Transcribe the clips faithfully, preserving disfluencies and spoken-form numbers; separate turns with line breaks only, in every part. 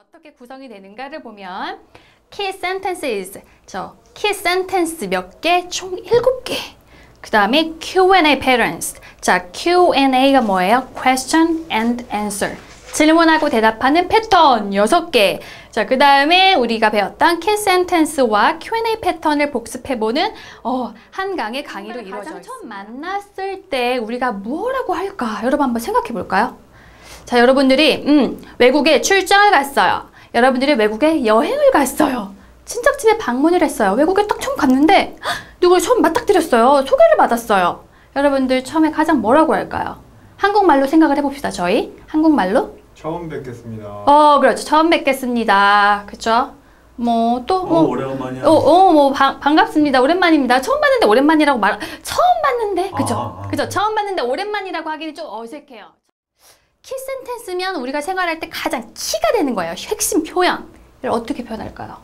어떻게 구성이 되는가를 보면 key sentences, 저 key sentence 몇 개? 총 일곱 개. 그 다음에 Q and A patterns. 자, Q and A가 뭐예요? Question and answer. 질문하고 대답하는 패턴 여섯 개. 자, 그 다음에 우리가 배웠던 key sentence와 Q and A 패턴을 복습해보는 어, 한 강의 강의로 이루어져 있습니다. 처음 만났을 때 우리가 뭐라고 할까? 여러분 한번 생각해 볼까요? 자, 여러분들이 음, 외국에 출장을 갔어요. 여러분들이 외국에 여행을 갔어요. 친척집에 방문을 했어요. 외국에 딱 처음 갔는데 누굴 처음 맞닥뜨렸어요. 소개를 받았어요. 여러분들 처음에 가장 뭐라고 할까요? 한국말로 생각을 해봅시다. 저희 한국말로
처음 뵙겠습니다.
어, 그렇죠. 처음 뵙겠습니다. 그렇죠? 뭐 또 뭐
어, 오래간만이야.
어, 어, 뭐 바, 반갑습니다. 오랜만입니다. 처음 봤는데 오랜만이라고 말 처음 봤는데 그죠?
아, 아,
그죠? 처음 봤는데 오랜만이라고 하기는 좀 어색해요. 키 센텐스면 우리가 생활할 때 가장 키가 되는 거예요. 핵심 표현을 어떻게 표현할까요?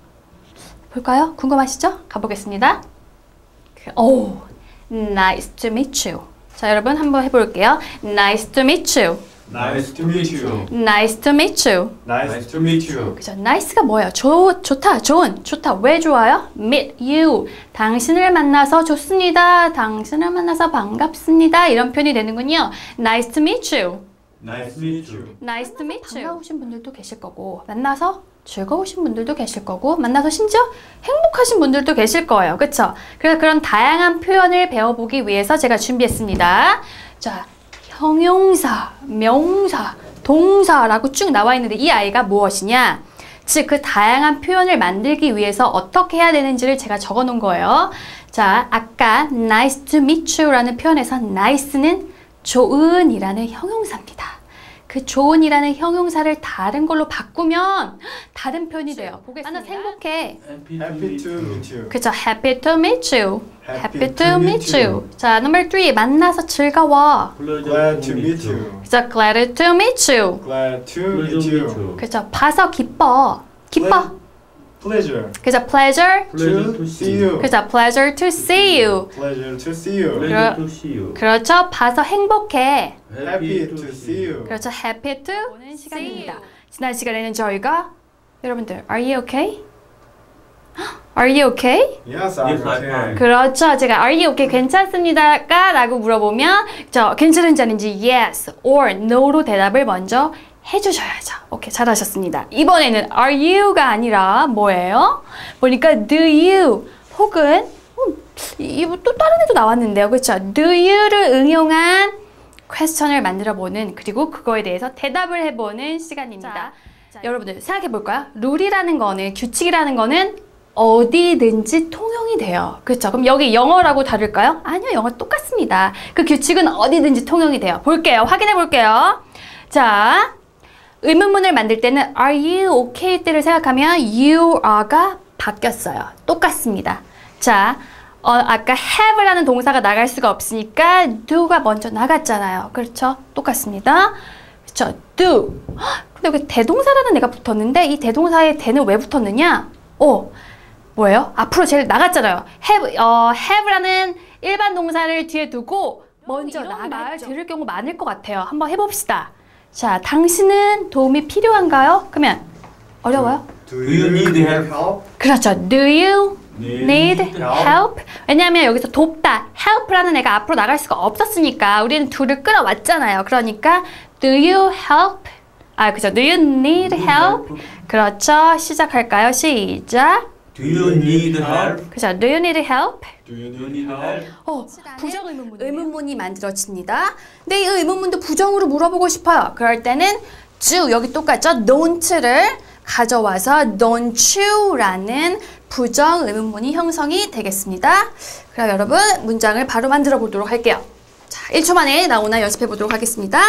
볼까요? 궁금하시죠? 가보겠습니다. 오, nice to meet you. 자, 여러분 한번 해볼게요. Nice to meet you.
Nice to meet you.
Nice to meet you.
Nice to meet you.
그죠? nice가 뭐예요? 좋, 좋다, 좋은, 좋다. 왜 좋아요? meet you. 당신을 만나서 좋습니다. 당신을 만나서 반갑습니다. 이런 표현이 되는군요. Nice to meet you.
Nice to meet you.
Nice to meet you. 반가우신 분들도 계실 거고, 만나서 즐거우신 분들도 계실 거고, 만나서 심지어 행복하신 분들도 계실 거예요. 그쵸? 그래서 그런 다양한 표현을 배워보기 위해서 제가 준비했습니다. 자, 형용사, 명사, 동사라고 쭉 나와 있는데 이 아이가 무엇이냐? 즉, 그 다양한 표현을 만들기 위해서 어떻게 해야 되는지를 제가 적어 놓은 거예요. 자, 아까 nice to meet you라는 표현에서 nice는 좋은이라는 형용사입니다. 그 좋은이라는 형용사를 다른 걸로 바꾸면 다른 표현이 돼요. 보겠습니다. 만나서 행복해.
Happy to meet you.
그쵸? Happy to meet you.
Happy
Happy to meet you. 자, number three. 만나서 즐거워.
Glad to meet you.
그쵸? Glad to meet you.
Glad to meet you.
그쵸? 봐서 기뻐. 기뻐.
Pleasure.
그쵸? Pleasure.
Pleasure to see you.
그쵸? Pleasure to see you.
Pleasure to see you.
Pleasure to see you.
그렇죠? 봐서 행복해.
Happy to see you.
그렇죠. Happy to 보는 시간입니다. 지난 시간에는 저희가 여러분들, are you okay? Are you okay?
Yes, I'm
Yes, I'm
okay.
fine.
그렇죠. 제가 are you okay? 괜찮습니다까? 라고 물어보면 저 괜찮은지 아닌지 yes or no로 대답을 먼저 해주셔야죠. 오케이, 잘하셨습니다. 이번에는 are you가 아니라 뭐예요? 보니까 do you 혹은 음, 이거 또 다른 애도 나왔는데요. 그렇죠? do you를 응용한 퀘스천을 만들어보는 그리고 그거에 대해서 대답을 해보는 시간입니다. 자, 자, 여러분들 생각해볼까요? 룰이라는 거는 규칙이라는 거는 어디든지 통용이 돼요. 그렇죠? 그럼 여기 영어라고 다를까요? 아니요, 영어 똑같습니다. 그 규칙은 어디든지 통용이 돼요. 볼게요. 확인해 볼게요. 자, 의문문을 만들 때는 are you okay 때를 생각하면 you are가 바뀌었어요. 똑같습니다. 자, 어, 아까 have라는 동사가 나갈 수가 없으니까 do가 먼저 나갔잖아요. 그렇죠? 똑같습니다. 그렇죠? do. 근데 여기 대동사라는 애가 붙었는데 이 대동사에 대는 왜 붙었느냐? 어, 뭐예요? 앞으로 제일 나갔잖아요. have, 어, have라는 일반 동사를 뒤에 두고 먼저 나갈 들을 경우 많을 것 같아요. 한번 해봅시다. 자, 당신은 도움이 필요한가요? 그러면 어려워요?
Do
you need help?
그렇죠. Do you need
help?
help? 왜냐하면 여기서 돕다, help라는 애가 앞으로 나갈 수가 없었으니까 우리는 do를 끌어왔잖아요. 그러니까 do you help? 아, 그죠. Do you need help? 그렇죠. 시작할까요? 시작.
Do you need help?
그죠. Do you need help?
Do you
Do you
need
need
help?
help?
어, 부정 의문문. 의문문이 만들어집니다. 근데 이 의문문도 부정으로 물어보고 싶어요. 그럴 때는 do, 여기 똑같죠? don't를 가져와서 don't you라는 부정 의문문이 형성이 되겠습니다. 그럼 여러분 문장을 바로 만들어 보도록 할게요. 자, 일 초 만에 나오나 연습해 보도록 하겠습니다.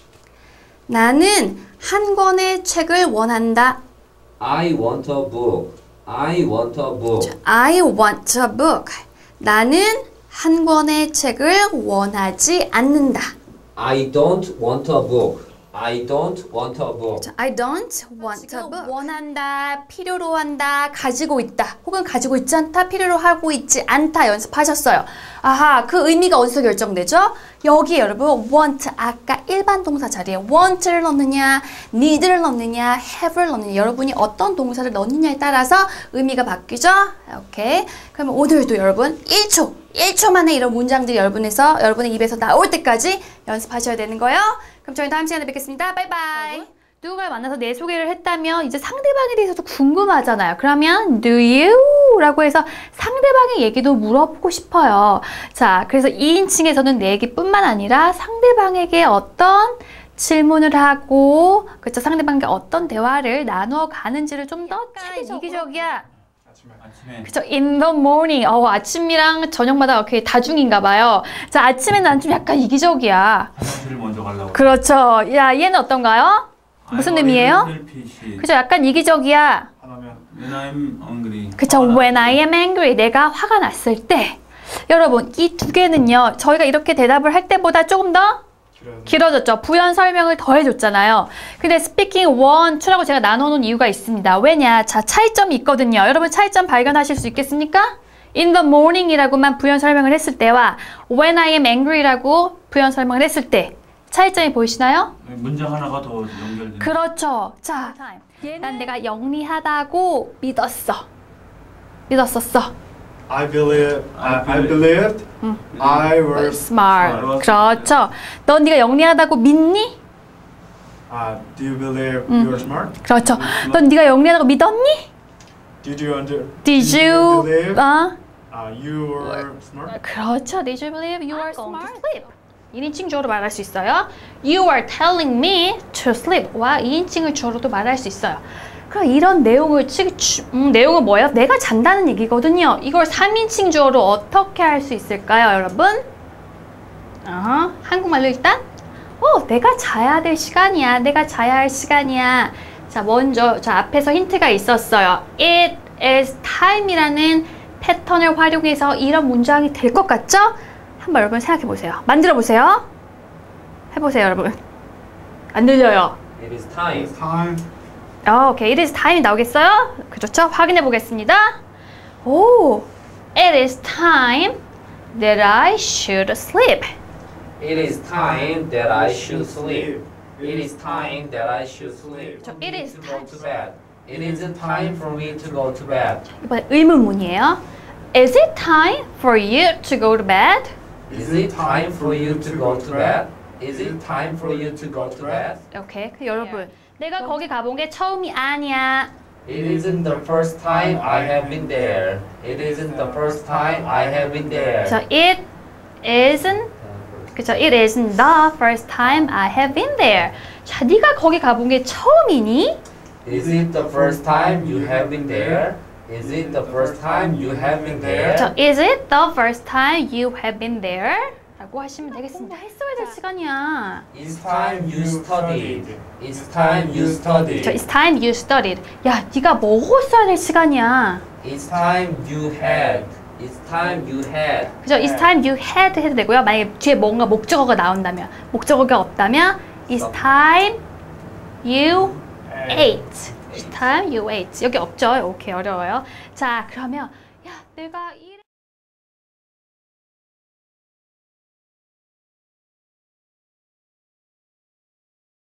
나는 한 권의 책을 원한다.
I want a book. I want a book.
I want a book. 나는 한 권의 책을 원하지 않는다.
I don't want a book. I don't want a book.
자, I don't want a book. 원한다, 필요로 한다, 가지고 있다, 혹은 가지고 있지 않다, 필요로 하고 있지 않다 연습하셨어요. 아하, 그 의미가 어디서 결정되죠? 여기 여러분 want 아까 일반 동사 자리에 want를 넣느냐, need를 넣느냐, have를 넣느냐, 여러분이 어떤 동사를 넣느냐에 따라서 의미가 바뀌죠? 오케이. 그러면 오늘도 여러분 일 초, 일 초 만에 이런 문장들이 여러분에서 여러분의 입에서 나올 때까지 연습하셔야 되는 거예요. 그럼 저희 다음 시간에 뵙겠습니다. 바이바이. 누군가를 만나서 내 소개를 했다면 이제 상대방에 대해서도 궁금하잖아요. 그러면 do you? 라고 해서 상대방의 얘기도 물어보고 싶어요. 자, 그래서 이인칭에서는 내 얘기뿐만 아니라 상대방에게 어떤 질문을 하고 그쵸, 상대방과 어떤 대화를 나누어 가는지를 좀 더 이기적이야.
아침에.
그쵸, in the morning. 어, 아침이랑 저녁마다 이렇게 다중인가 봐요. 자, 아침에 난 좀 약간 이기적이야.
화장실을 먼저 가려고.
그렇죠. 야, 얘는 어떤가요? 무슨 의미예요? 그죠, 약간 이기적이야.
하나면
When I'm hungry.
그쵸, when I am angry. 내가 화가 났을 때. 여러분, 이 두 개는요, 저희가 이렇게 대답을 할 때보다 조금 더 길어졌죠. 부연 설명을 더 해줬잖아요. 근데 speaking one, two라고 제가 나눠놓은 이유가 있습니다. 왜냐? 자, 차이점이 있거든요. 여러분 차이점 발견하실 수 있겠습니까? in the morning이라고만 부연 설명을 했을 때와 when I am angry라고 부연 설명을 했을 때 차이점이 보이시나요?
문장 하나가 더 연결되는.
그렇죠. 자, 난 내가 영리하다고 믿었어. 믿었었어.
I believe I, I believed I was
smart. 그렇죠. 넌 네가 영리하다고 믿니?
uh, Do you believe you are smart?
그렇죠. 넌 네가 영리하다고 믿었니?
Did you under
Did you?
believe
어?
uh, you were smart?
그렇죠. Did you believe you are smart? 이인칭 주어로 말할 수 있어요. You are telling me to sleep와 이인칭을 주어로도 말할 수 있어요. 그럼 이런 내용을 치, 주, 음, 내용은 뭐예요? 내가 잔다는 얘기거든요. 이걸 삼인칭 주어로 어떻게 할 수 있을까요, 여러분? 어, 한국말로 일단 어, 내가 자야 될 시간이야. 내가 자야 할 시간이야. 자, 먼저 자 앞에서 힌트가 있었어요. It is time이라는 패턴을 활용해서 이런 문장이 될 것 같죠? 한번 여러분 생각해 보세요. 만들어 보세요. 해보세요, 여러분. 안 들려요.
It is time.
It's time.
어, 오케이. It is time이 나오겠어요? 그렇죠? 확인해 보겠습니다. 오, it is time that I should sleep.
It is time that I should sleep. It is time that I should sleep.
저 it is
to go to bed. It isn't time for me to go to bed.
이번에 의문문이에요. Is it time for you to go to bed?
Is it time for you to go to bed? Is it time for you to go to bed?
오케이. 그 여러분, 내가 거기 가본 게 처음이 아니야.
It isn't the first time I have been there. It isn't the first time I have been there.
저 it isn't 그쵸? It isn't the first time I have been there. 자, 네가 거기 가본 게 처음이니?
Is it the first time you have been there? Is it the first time you have been there?
저 is it the first time you have been there? 라고 하시면 되겠습니다. 했어야 될 시간이야.
It's time you studied. It's time you studied.
저 it's time you studied. 야, 네가 먹었어야 될 시간이야.
It's time you had. It's time you had.
그죠? It's time you had 해도 되고요. 만약에 뒤에 뭔가 목적어가 나온다면, 목적어가 없다면 It's time you ate. It's time you ate. 여기 없죠? 오케이, 어려워요. 자, 그러면 야, 내가 이